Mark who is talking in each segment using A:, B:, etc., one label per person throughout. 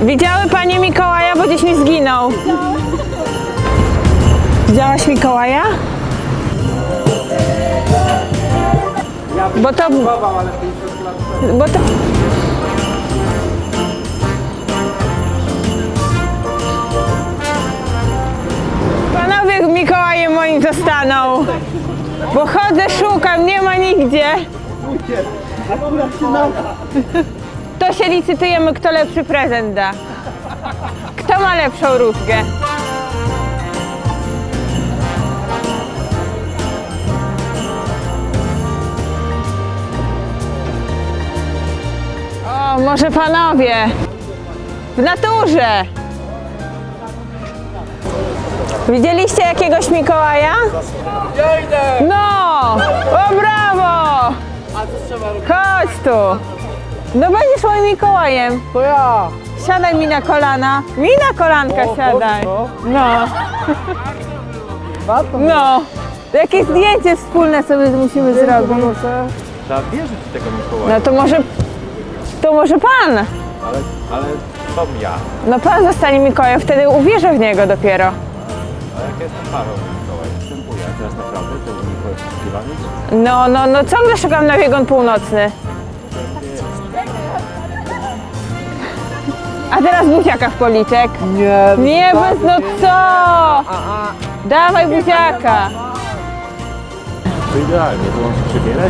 A: Widziały panie Mikołaja, bo gdzieś mi zginął. Widziałaś Mikołaja? Bo to... Panowie Mikołajem moim zostaną. Bo chodzę, szukam, nie ma nigdzie. To się licytujemy, kto lepszy prezent da. Kto ma lepszą różkę? O, może panowie. W naturze. Widzieliście jakiegoś Mikołaja?
B: Ja idę!
A: No! O, brawo!
B: A co trzeba robić?
A: Chodź tu! No będziesz moim Mikołajem.
B: To ja!
A: Siadaj mi na kolana. Mi na kolanka siadaj. No. No. Jakieś zdjęcie wspólne sobie musimy zrobić.
C: Trzeba wierzyć w tego Mikołaja.
A: No to może pan.
C: Ale co ja?
A: No pan zostanie Mikołajem, wtedy uwierzę w niego dopiero.
C: A jak jestem parą Mikołaj? Występuję. A teraz naprawdę to jest Mikołaj poszukiwany?
A: No ciągle szukam na biegun północny. A teraz buziaka w policzek. Nie, bez no co? Dawaj buziaka.
C: To idealnie, to mam się przebierać.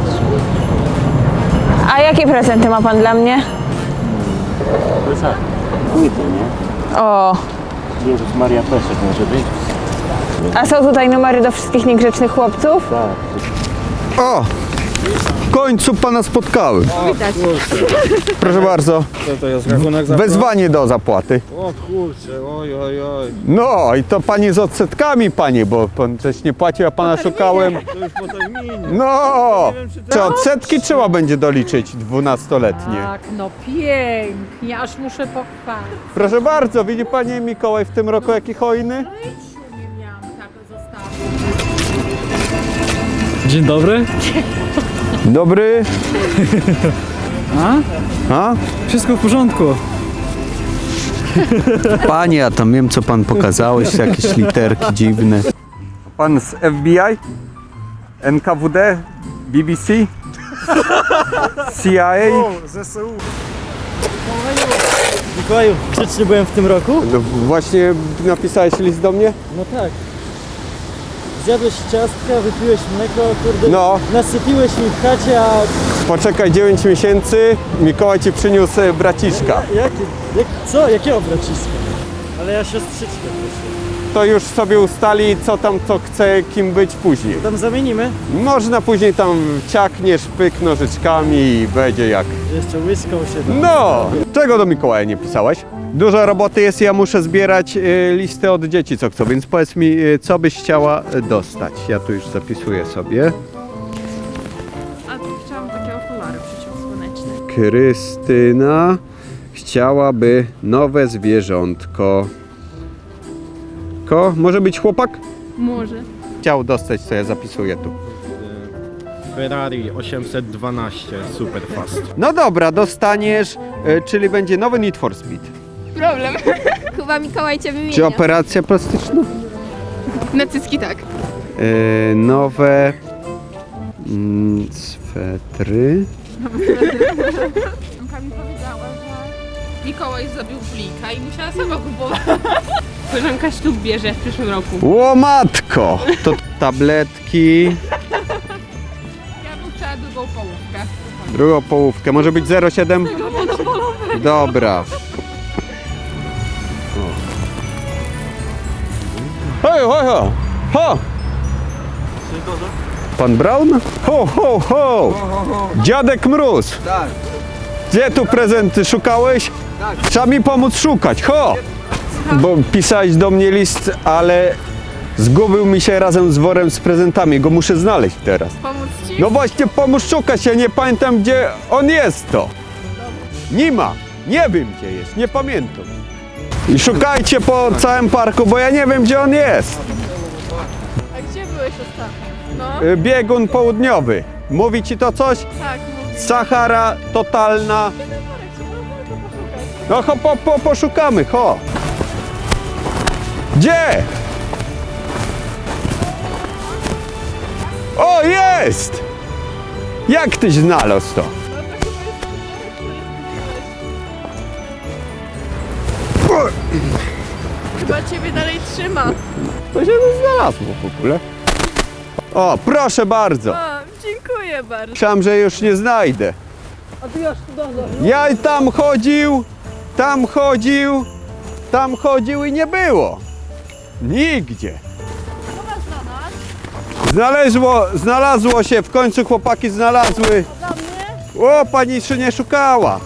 A: A jakie prezenty ma pan dla mnie?
C: Plecak. Płyty, nie?
A: O,
C: Jezus Maria Peszek może być?
A: a są tutaj numery do wszystkich niegrzecznych chłopców?
C: Tak.
D: O! W końcu pana spotkały.
A: Widać.
D: Proszę bardzo.
B: To jest rachunek za
D: Wezwanie do zapłaty.
B: O kurczę, oj.
D: No i to pani z odsetkami, panie, bo pan coś nie płacił, a pana szukałem.
B: To już po terminie.
D: No! Czy odsetki trzeba będzie doliczyć 12-letnie?
E: Tak, no pięknie, aż muszę pochwalić.
D: Proszę bardzo, widzi pani Mikołaj w tym roku jaki hojny?
E: Nie miałam tak zostawić.
F: Dzień dobry.
D: Dobry. A?
F: Wszystko w porządku.
D: Panie, ja tam wiem, co pan pokazałeś, jakieś literki dziwne. Pan z FBI? NKWD? BBC? CIA?
B: ZSU. Mikołaju, grzecznie byłem w tym roku?
D: No właśnie napisałeś list do mnie?
B: No tak. Zjadłeś ciastka, wypiłeś mleko, kurde,
D: No.
B: nasypiłeś mi w chacie, a
D: Poczekaj 9 miesięcy, Mikołaj ci przyniósł braciszka.
B: co? Jakiego braciska? Ale ja siostrzyczkę proszę.
D: To już sobie ustali, co tam co chce, kim być później.
B: Tam zamienimy?
D: Można później tam ciakniesz, pyk nożyczkami i będzie jak...
B: Jeszcze łyską się da.
D: No! Czego do Mikołaja nie pisałeś? Dużo roboty jest, ja muszę zbierać listy od dzieci, co chcą, więc powiedz mi, co byś chciała dostać. Ja tu już zapisuję sobie.
E: A tu chciałam takie okulary przeciwsłoneczne.
D: Krystyna chciałaby nowe zwierzątko. Może być chłopak?
E: Może.
D: Chciał dostać, co ja zapisuję tu.
B: Ferrari 812 Superfast.
D: No dobra, dostaniesz, czyli będzie nowy Need for Speed.
G: Problem. Chyba Mikołaj cię wymienia.
D: Czy operacja plastyczna?
G: Na cycki tak.
D: Nowe swetry.
G: Anka mi powiedziała, że Mikołaj zrobił flika i musiała sama kupować. Koleżanka ślub bierze w przyszłym roku.
D: Łomatko! To tabletki.
G: Ja bym chciała drugą połówkę.
D: Drugą połówkę. Może być 0,7? Dobra. Hej, hej, hej! Ho! Pan Brown? Ho, ho, ho! Dziadek Mróz!
B: Tak.
D: Gdzie tu prezenty szukałeś?
B: Tak.
D: Trzeba mi pomóc szukać, ho! Bo pisałeś do mnie list, ale zgubił mi się razem z worem z prezentami. Go muszę znaleźć teraz.
G: Pomóc ci?
D: No właśnie, pomóż szukać, ja nie pamiętam, gdzie on jest to. Nie ma, nie wiem, gdzie jest, nie pamiętam. I szukajcie po całym parku, bo ja nie wiem, gdzie on jest.
G: A gdzie byłeś ostatnio? No,
D: Biegun południowy. Mówi ci to coś?
G: tak, mówię.
D: Sahara totalna. No poszukamy, ho. Gdzie? O, jest! Jak tyś znalazł to?
E: Chyba ciebie dalej trzyma.
D: To się znalazło w ogóle. O, proszę bardzo.
E: O, dziękuję bardzo.
D: Myślałem, że już nie znajdę. Ja tam chodził i nie było. Nigdzie. Znalazło się, w końcu chłopaki znalazły. O, pani się nie szukała.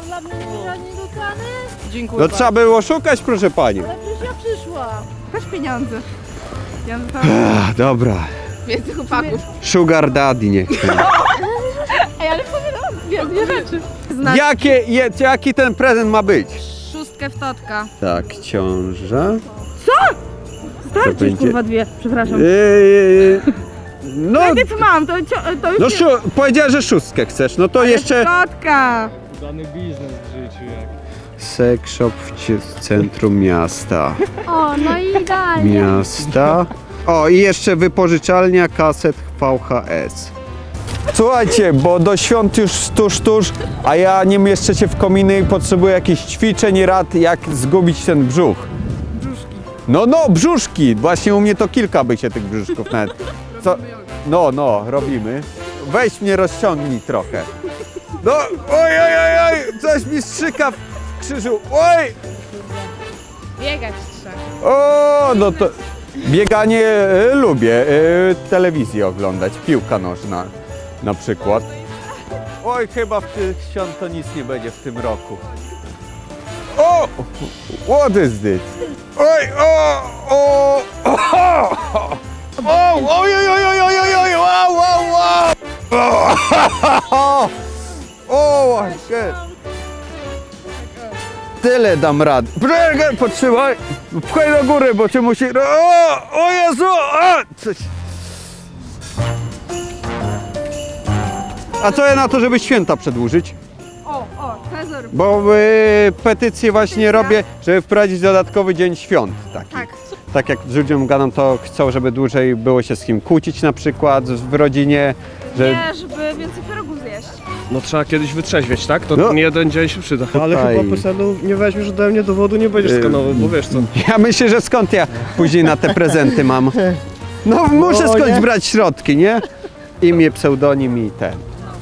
E: Dziękuję
D: No trzeba było szukać, proszę pani.
E: Chodź pieniądze. Ja
D: Ach, dobra.
G: Więcej chłopaków.
D: Sugar daddy niech ten.
E: Ej, ale powiedziałam dwie rzeczy.
D: Jaki ten prezent ma być?
E: Szóstkę w totka.
D: Tak, ciąża.
E: Starczy kurwa dwie, przepraszam.
D: No,
E: Co mam, to już
D: no powiedziała, że szóstkę chcesz, no to jeszcze...
E: totka.
B: Dany biznes w życiu jak.
D: Sex shop w centrum miasta.
H: O, no i idealnie.
D: Miasta. O, i jeszcze wypożyczalnia kaset VHS. Słuchajcie, bo do świąt już tuż, a ja nie mieszczę się w kominy i potrzebuję jakichś ćwiczeń i rad, jak zgubić ten brzuch. No, brzuszki. Właśnie u mnie to kilka by się tych brzuszków nawet. Co? No, robimy. Weź mnie rozciągnij trochę. No, oj, coś mi strzyka w krzyżu. Oj!
G: Biegać trzeba.
D: O, no to bieganie lubię. Telewizję oglądać, piłka nożna na przykład. Oj, chyba w tych świąt to nic nie będzie w tym roku. O! What is this? Oj, o, tyle dam radę. Potrzymaj, pchaj do góry, bo cię musi... O Jezu! Coś. A co ja na to, żeby święta przedłużyć?
E: Trezor.
D: Bo petycję właśnie robię, żeby wprowadzić dodatkowy dzień świąt taki. Tak jak z ludziom gadam, to chcą, żeby dłużej było się z kim kłócić na przykład w rodzinie. Że...
E: Nie, żeby więcej pierogów zjeść.
I: No trzeba kiedyś wytrzeźwieć, tak? To
D: No.
I: nie jeden dzień się przyda. Ale
D: Tutaj.
I: chyba PESEL-u nie weźmiesz ode mnie dowodu, nie będziesz skanował, bo wiesz co.
D: Ja myślę, że skąd ja później na te prezenty mam? No muszę skądś brać środki, nie? Imię, pseudonim i ten.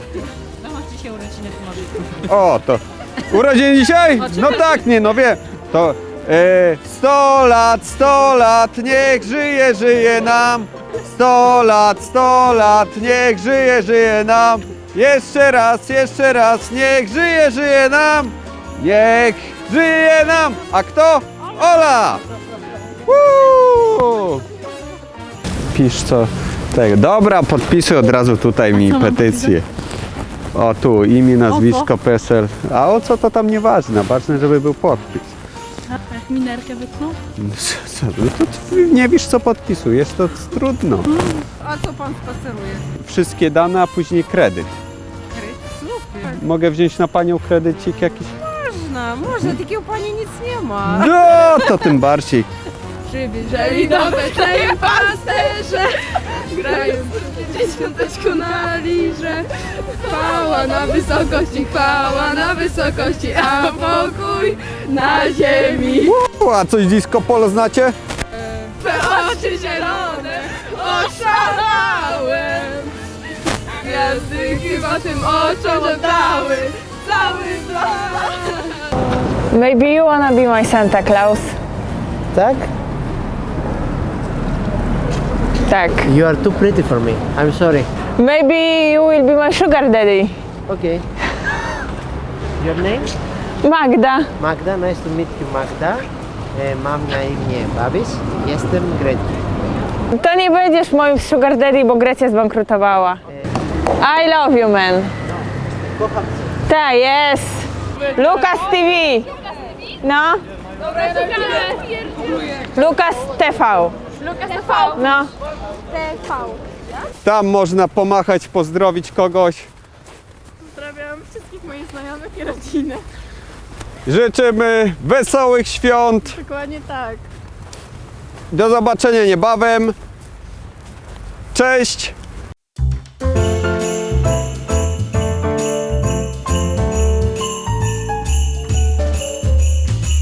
D: O, to urodziny dzisiaj? No tak, nie, no wiem. To 100 lat, niech żyje nam. 100 lat, niech żyje nam. Jeszcze raz, niech żyje nam. Niech żyje nam. A kto? Ola! Woo! Pisz co tego. Dobra, podpisuj od razu tutaj mi petycję. O tu, imię, nazwisko, PESEL. A o co to tam nieważne, ważne, żeby był podpis.
E: Jak minerkę wytnął?
D: Co, no to ty nie wiesz co podpisujesz, to trudno.
E: A co pan spaceruje?
D: Wszystkie dane, a później kredyt.
E: Super.
D: Mogę wziąć na panią kredycik jakiś?
E: Można, takiego pani nic nie ma.
D: No, to tym bardziej.
E: Przybierzeli do Betlejem pasterze, grają dziesiąteczku na lirze. Chwała na wysokości, a pokój na ziemi.
D: A coś disco polo znacie?
E: Twe oczy zielone, oszalałem. Gwiazdy chyba tym oczom oddały cały blask.
A: Maybe you wanna be my Santa Claus.
J: Tak?
A: Tak.
J: You are too pretty for me. I'm sorry.
A: Maybe you will be my sugar daddy.
J: Okay. Your name?
A: Magda.
J: Magda. Nice to meet you, Magda. Mam na imię Babis. Jestem Grecki.
A: To nie będziesz moim sugar daddy, bo Grecja zbankrutowała. I love you, man.
J: Kocham cię.
A: Tak, jest. Lukas TV. No. Lukas TV.
E: Lukas TV.
A: No.
D: Tam można pomachać, pozdrowić kogoś.
E: Pozdrawiam wszystkich moich znajomych i rodziny.
D: Życzymy wesołych świąt.
E: Dokładnie tak.
D: Do zobaczenia niebawem. Cześć.